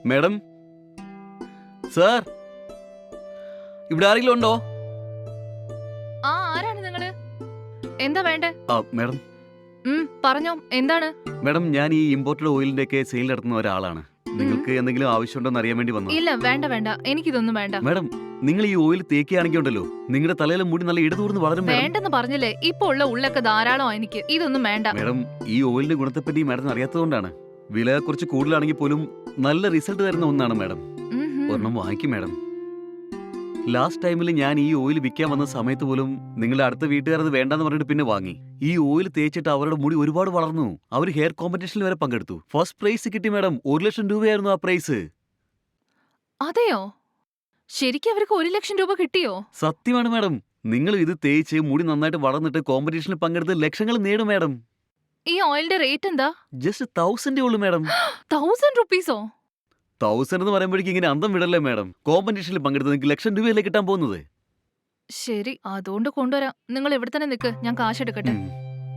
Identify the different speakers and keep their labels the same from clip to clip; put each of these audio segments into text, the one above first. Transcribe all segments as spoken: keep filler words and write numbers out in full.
Speaker 1: Madam sir, ഇവിടെ ആരെങ്കിലും ഉണ്ടോ?
Speaker 2: ആ ആരാണ് നിങ്ങള്? എന്താ വേണ്ടേ?
Speaker 1: ആ മാഡം
Speaker 2: ഉം പറഞ്ഞോ, എന്താണ്?
Speaker 1: മാഡം ഞാൻ ഈ ഇമ്പോർട്ടഡ് ഓയിലിന്റെ ഒക്കെ സെയിൽ നടത്തുന്ന ഒരാളാണ്. നിങ്ങൾക്ക് എന്തെങ്കിലും ആവശ്യമുണ്ടോ എന്ന് അറിയാൻ വേണ്ടി വന്നു.
Speaker 2: ഇല്ല വേണ്ട വേണ്ട, എനിക്കിതൊന്നും വേണ്ട.
Speaker 1: മാഡം നിങ്ങൾ ഈ ഓയിൽ തേക്കുകയാണെങ്കിൽ ഉണ്ടല്ലോ, നിങ്ങളുടെ തലയിലെ മുടി നല്ല ഇടതൂർന്ന് വളരും. മാഡം
Speaker 2: വേണ്ടെന്ന് പറഞ്ഞില്ലേ, ഇപ്പൊ ഉള്ള ഉള്ളൊക്കെ ധാരാളം എനിക്ക്, ഇതൊന്നും വേണ്ട.
Speaker 1: മാഡം ഈ ഓയിലിന്റെ ഗുണത്തെപ്പറ്റി മാഡം അറിയാത്തതുകൊണ്ടാണ്. വില കുറച്ച് കൂടുതലാണെങ്കിൽ പോലും നല്ല റിസൾട്ട് തരുന്ന ഒന്നാണ് മാഡം.
Speaker 2: ഉം ഹും.
Speaker 1: ഒരെണ്ണം വാങ്ങിക്കും മാഡം. ലാസ്റ്റ് ടൈമിൽ ഞാൻ ഈ ഓയിൽ വിൽക്കാൻ വന്ന സമയത്ത് പോലും നിങ്ങളുടെ അടുത്ത വീട്ടുകാരത് വേണ്ടെന്ന് പറഞ്ഞിട്ട് പിന്നെ വാങ്ങി. ഈ ഓയിൽ തേച്ചിട്ട് അവരുടെ മുടി ഒരുപാട് വളർന്നു. അവർ ഹെയർ കോമ്പറ്റീഷനിൽ വരെ പങ്കെടുത്തു. ഫസ്റ്റ് പ്രൈസ് കിട്ടി മാഡം. ഒരു ലക്ഷം രൂപയായിരുന്നു ആ പ്രൈസ്.
Speaker 2: അതെയോ? ശരിക്കും അവർക്ക് ഒരു ലക്ഷം രൂപ കിട്ടിയോ?
Speaker 1: സത്യമാണ് മാഡം. നിങ്ങൾ ഇത് തേച്ച് മുടി നന്നായിട്ട് വളർന്നിട്ട് കോമ്പറ്റീഷനിൽ പങ്കെടുത്ത് ലക്ഷങ്ങൾ നേടും മാഡം.
Speaker 2: ഈ ഓയിലിന്റെ റേറ്റ് എന്താ?
Speaker 1: ജസ്റ്റ് തൗസൻഡേ ഉള്ളൂ മാഡം.
Speaker 2: തൗസൻഡ് റുപ്പീസോ?
Speaker 1: തൗസൻഡ് എന്ന് പറയുമ്പോഴേക്കും ഇങ്ങനെ അന്തം വിടല്ലേ മാഡം. കോമ്പറ്റീഷനിൽ പങ്കെടുത്ത് നിങ്ങൾക്ക് ലക്ഷം രൂപയല്ലേ കിട്ടാൻ പോകുന്നത്.
Speaker 2: ശരി, അതുകൊണ്ട് കൊണ്ടുവരാം. നിങ്ങൾ ഇവിടെ തന്നെ നിൽക്ക്, ഞാൻ കാശ് എടുക്കട്ടെ.
Speaker 1: ഉം.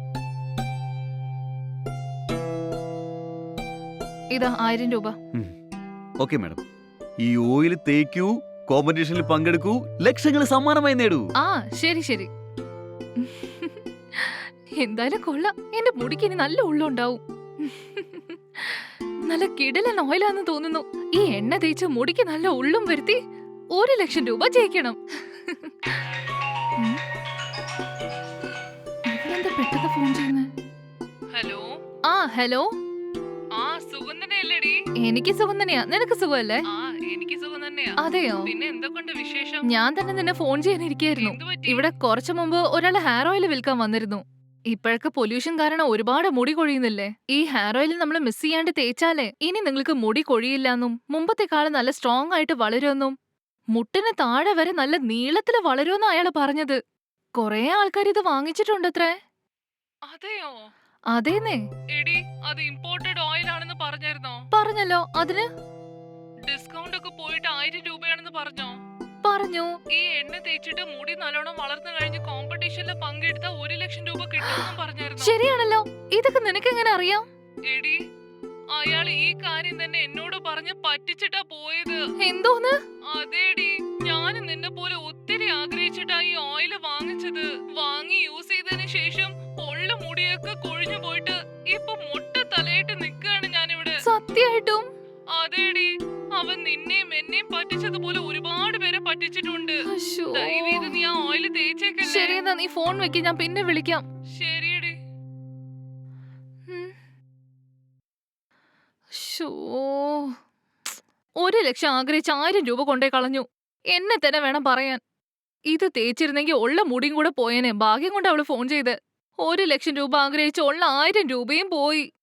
Speaker 2: ഇതാ ആയിരം രൂപ.
Speaker 1: Okay madam. ഈ ഓയിൽ തേക്കൂ, കോമ്പറ്റീഷനിൽ പങ്കെടുക്കൂ, ലക്ഷങ്ങൾ സമ്മാനമായി നേടൂ.
Speaker 2: ആ ശരി ശരി. എന്തായാലും കൊള്ളാം, എന്റെ മുടിക്ക് ഇനി നല്ല ഉള്ളുണ്ടാവും. നല്ല കിടലൻ ഓയിലാന്ന് തോന്നുന്നു. ഈ എണ്ണ തേച്ച് മുടിക്ക് നല്ല ഉള്ളും വരുത്തി ഒരു ലക്ഷം രൂപ ജയിക്കണം. ഉം. ഇവരെന്താ പെട്ടെന്ന് ഫോൺ ചെയ്യുന്നേ? ഹലോ. ആ ഹലോ. ആ സുഗന്ധനയല്ലേടി? എനിക്ക് സുഖം തന്നെയാ, നിനക്ക് സുഖമല്ലേ? ആ എനിക്ക് സുഖം തന്നെയാ. അതെയോ? പിന്നെ എന്തൊക്കെയുണ്ട് വിശേഷം? ഞാൻ തന്നെ നിന്നെ ഫോൺ ചെയ്യാനിരിക്കായിരുന്നു. ഇവിടെ കുറച്ചു മുമ്പ് ഒരാൾ ഹെയർ ഓയിൽ വിൽക്കാൻ വന്നിരുന്നു. ഇപ്പോഴൊക്കെ പൊല്യൂഷൻ കാരണം ഒരുപാട് മുടി കൊഴിയുന്നില്ലേ? ഈ ഹെയർ ഓയിൽ നമ്മൾ മിസ് ചെയ്യാണ്ട് തേച്ചാലേ ഇനി നിങ്ങൾക്ക് മുടി കൊഴിയില്ലെന്നും മുമ്പത്തെക്കാളും നല്ല സ്ട്രോങ് ആയിട്ട് വളരുമെന്നും മുട്ടിന് താഴെ വരെ നല്ല നീളത്തില് വളരുമെന്ന് അയാള് പറഞ്ഞത്. കൊറേ ആൾക്കാർ ഇത് വാങ്ങിച്ചിട്ടുണ്ടത്രേ. അതെയോ? അതേന്നേ. എടി, അത് ഇമ്പോർട്ടഡ് ഓയിൽ ആണെന്ന് പറഞ്ഞായിരുന്നോ? പറഞ്ഞല്ലോ. അതിന് ഡിസ്കൗണ്ട് ഒക്കെ പോയിട്ട് ആയിരം രൂപയാണെന്ന് പറഞ്ഞോ? പറഞ്ഞു. ഈ എണ്ണ തേച്ചിട്ട് മുടി നല്ലോണം വളർന്നു കഴിഞ്ഞ് കോമ്പറ്റീഷനിൽ പങ്കെടുത്ത ഒരു ലക്ഷം രൂപ കിട്ടുമെന്നും പറഞ്ഞായിരുന്നു. ശരിയാണല്ലോ. ഇതൊക്കെ നിനക്ക് എങ്ങനെ അറിയാം? എടി, അയാൾ ഈ കാര്യം തന്നെ എന്നോട് പറഞ്ഞ് പറ്റിച്ചിട്ടാ പോയത്. എന്തോന്ന്? അതേടി, ഞാൻ നിന്നെ പോലെ ഒത്തിരി ആഗ്രഹിച്ചിട്ടാ ഈ ഓയിൽ വാങ്ങിച്ചത്. വാങ്ങി യൂസ് ചെയ്തതിന് ശേഷം ഉള്ള മുടിയൊക്കെ കൊഴിഞ്ഞു പോയിട്ട് ഇപ്പൊ മൊട്ട തലയിട്ട് നിൽക്കാണ് ഞാനിവിടെ. സത്യമായിട്ടും? അതേടി, അവൻ നിന്നെയും എന്നെയും പറ്റിച്ചതുപോലെ ഒരുപാട് പേരെ പറ്റിച്ചിട്ടുണ്ട്. ദയവേത് നീ ആ ഓയിൽ തേച്ചേക്കല്ലേ. ശരി, എന്നാ നീ ഫോൺ വെക്ക്, ഞാൻ പിന്നെ വിളിക്കാം. ശരിയടി. ഒരു ലക്ഷം ആഗ്രഹിച്ച് ആയിരം രൂപ കൊണ്ടേ കളഞ്ഞു. എന്നെ തന്നെ വേണം പറയാൻ. ഇത് തേച്ചിരുന്നെങ്കിൽ ഉള്ള മുടിയും കൂടെ പോയേനെ. ഭാഗ്യം കൊണ്ട് അവള് ഫോൺ ചെയ്ത്. ഒരു ലക്ഷം രൂപ ആഗ്രഹിച്ച് ഉള്ള ആയിരം രൂപയും പോയി.